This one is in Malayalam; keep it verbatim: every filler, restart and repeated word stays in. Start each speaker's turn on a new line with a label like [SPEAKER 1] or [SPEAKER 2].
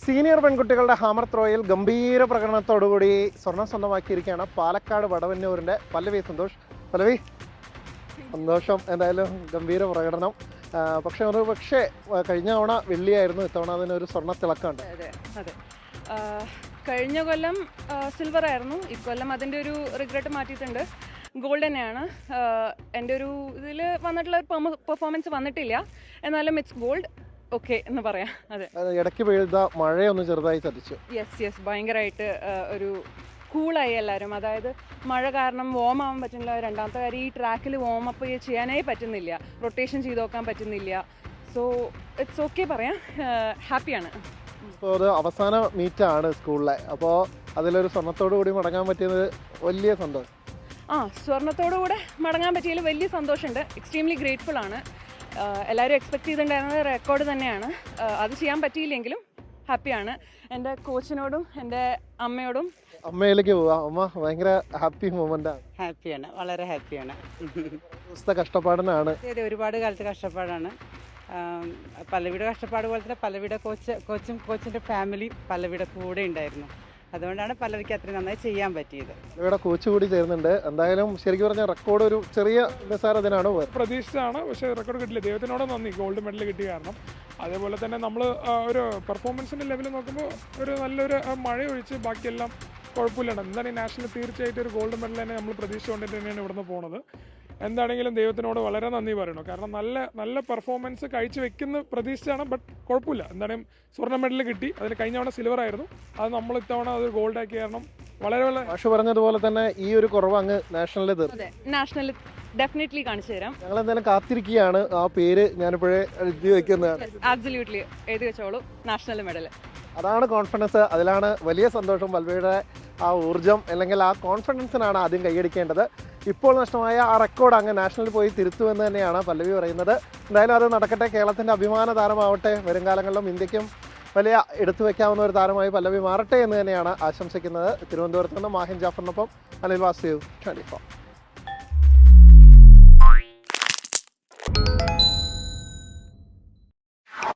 [SPEAKER 1] സീനിയർ പെൺകുട്ടികളുടെ ഹാമർ ത്രോയിൽ ഗംഭീര പ്രകടനത്തോടുകൂടി സ്വർണം സ്വന്തമാക്കിയിരിക്കുകയാണ് പാലക്കാട് വടവന്നൂരിൻ്റെ പല്ലവി സന്തോഷ്. പല്ലവി, സന്തോഷം. എന്തായാലും ഗംഭീര പ്രകടനം. പക്ഷെ ഒരു പക്ഷേ കഴിഞ്ഞ തവണ വെള്ളിയായിരുന്നു, ഇത്തവണ അതിനൊരു സ്വർണ്ണ തിളക്കമുണ്ട്.
[SPEAKER 2] അതെ അതെ കഴിഞ്ഞ കൊല്ലം സിൽവർ ആയിരുന്നു, ഇക്കൊല്ലം അതിൻ്റെ ഒരു റിഗ്രറ്റ് മാറ്റിയിട്ടുണ്ട്, ഗോൾഡ് തന്നെയാണ്. എൻ്റെ ഒരു ഇതിൽ വന്നിട്ടുള്ള പെർഫോമൻസ് വന്നിട്ടില്ല, എന്നാലും ഇറ്റ്സ് ഗോൾഡ്, ഓക്കെ എന്ന് പറയാം. അതെ,
[SPEAKER 1] ഇടയ്ക്ക് പെയ്ത മഴയൊന്ന് ചെറുതായി ചതിച്ചു.
[SPEAKER 2] യെസ് യെസ് ഭയങ്കരമായിട്ട് ഒരു കൂളായി എല്ലാവരും. അതായത് മഴ കാരണം വോം ആവാൻ പറ്റുന്നില്ല. രണ്ടാമത്തെ കാര്യം, ഈ ട്രാക്കിൽ വോം അപ്പ് ചെയ്യാനേ പറ്റുന്നില്ല, റൊട്ടേഷൻ ചെയ്ത് നോക്കാൻ പറ്റുന്നില്ല. സോ ഇറ്റ്സ് ഓക്കെ പറയാം, ഹാപ്പിയാണ്.
[SPEAKER 1] ഇപ്പോൾ അത് അവസാന മീറ്റാണ് സ്കൂളിലെ, അപ്പോൾ അതിലൊരു സ്വർണ്ണത്തോടു കൂടി മടങ്ങാൻ പറ്റിയത് വലിയ സന്തോഷം.
[SPEAKER 2] ആ സ്വർണ്ണത്തോടു കൂടെ മടങ്ങാൻ പറ്റിയതിൽ വലിയ സന്തോഷമുണ്ട്, എക്സ്ട്രീംലി ഗ്രേറ്റ്ഫുൾ ആണ്. എല്ലാവരും എക്സ്പെക്ട് ചെയ്തിട്ടുണ്ടായിരുന്നത് റെക്കോർഡ് തന്നെയാണ്, അത് ചെയ്യാൻ പറ്റിയില്ലെങ്കിലും ഹാപ്പിയാണ്. എൻ്റെ കോച്ചിനോടും എൻ്റെ അമ്മയോടും.
[SPEAKER 1] അമ്മയിലേക്ക് പോവാം. അമ്മ ഭയങ്കര ഹാപ്പി മൊമെൻ്റാണ്.
[SPEAKER 3] ഹാപ്പിയാണ്, വളരെ ഹാപ്പിയാണ്.
[SPEAKER 1] ദിവസത്തെ കഷ്ടപ്പാടിനാണ്.
[SPEAKER 3] അതെ, ഒരുപാട് കാലത്ത് കഷ്ടപ്പാടാണ്. പല്ലവിയുടെ കഷ്ടപ്പാട് പോലെ തന്നെ പല്ലവിയുടെ കോച്ച് കോച്ചും കോച്ചിൻ്റെ ഫാമിലി പല്ലവിയുടെ കൂടെ ഉണ്ടായിരുന്നു. അതുകൊണ്ടാണ് പല്ലവിക്ക് അത്രയും നന്നായി ചെയ്യാൻ പറ്റിയത്.
[SPEAKER 1] ഇവിടെ കോച്ച് കൂടി ചേരുന്നുണ്ട്. എന്തായാലും ശരിക്കും പറഞ്ഞാൽ റെക്കോർഡ് ഒരു ചെറിയ നിസ്സാരത്തിനാണ്
[SPEAKER 4] പ്രതീക്ഷിച്ചാണ്, പക്ഷേ റെക്കോർഡ് കിട്ടില്ല. ദൈവത്തിനോട് നന്ദി, ഗോൾഡ് മെഡൽ കിട്ടിയ കാരണം. അതേപോലെ തന്നെ നമ്മൾ ഒരു പെർഫോമൻസിൻ്റെ ലെവൽ നോക്കുമ്പോൾ ഒരു നല്ലൊരു മഴ ഒഴിച്ച് ബാക്കിയെല്ലാം കുഴപ്പമില്ലാണ്. എന്താണ് ഈ നാഷണൽ തീർച്ചയായിട്ടും ഒരു ഗോൾഡ് മെഡൽ തന്നെ നമ്മൾ പ്രതീക്ഷിച്ചുകൊണ്ട് തന്നെയാണ് ഇവിടുന്ന് പോകുന്നത്. എന്താണെങ്കിലും ദൈവത്തിനോട് വളരെ നന്ദി പറയണം, കാരണം നല്ല നല്ല പെർഫോമൻസ് കഴിച്ച് വെക്കുന്ന പ്രതീക്ഷിച്ചാണ്. ബട്ട് കുഴപ്പമില്ല, എന്താണെങ്കിലും സ്വർണ്ണ മെഡൽ കിട്ടി. അതിന് കഴിഞ്ഞ തവണ സിൽവർ ആയിരുന്നു, അത് നമ്മൾ ഇത്തവണ അത് ഗോൾഡ് ആക്കി. കാരണം വളരെ വളരെ
[SPEAKER 1] ഭാഷ പറഞ്ഞതുപോലെ തന്നെ ഈ ഒരു കുറവ് അങ്ങ് നാഷണലിൽ തീർന്നു.
[SPEAKER 2] നാഷണലിൽ ഡെഫിനറ്റ്ലി കാണിച്ചു തരാം.
[SPEAKER 1] ഞങ്ങൾ എന്തായാലും കാത്തിരിക്കുകയാണ്. ആ പേര് ഞാനിപ്പോഴേ എഴുതി വെക്കുന്നതാണ്.
[SPEAKER 2] ആബ്സല്യൂട്ട്ലി എഴുതി വെച്ചോളൂ, നാഷണൽ മെഡൽ.
[SPEAKER 1] അതാണ് കോൺഫിഡൻസ്, അതിലാണ് വലിയ സന്തോഷം. പല്ലവിയുടെ ആ ഊർജ്ജം അല്ലെങ്കിൽ ആ കോൺഫിഡൻസിനാണ് ആദ്യം കൈയടിക്കേണ്ടത്. ഇപ്പോൾ നഷ്ടമായ ആ റെക്കോർഡ് അങ്ങ് നാഷണലിൽ പോയി തിരുത്തുമെന്ന് തന്നെയാണ് പല്ലവി പറയുന്നത്. എന്തായാലും അത് നടക്കട്ടെ, കേരളത്തിൻ്റെ അഭിമാന താരമാവട്ടെ. വരും കാലങ്ങളിലും ഇന്ത്യക്കും വലിയ എടുത്തു വയ്ക്കാവുന്ന ഒരു താരമായി പല്ലവി മാറട്ടെ എന്ന് തന്നെയാണ് ആശംസിക്കുന്നത്. തിരുവനന്തപുരത്ത് നിന്ന് മാഹിൻ ജാഫറിനൊപ്പം അനിൽ വാസുദേവ്, ട്വന്റി ഫോർ.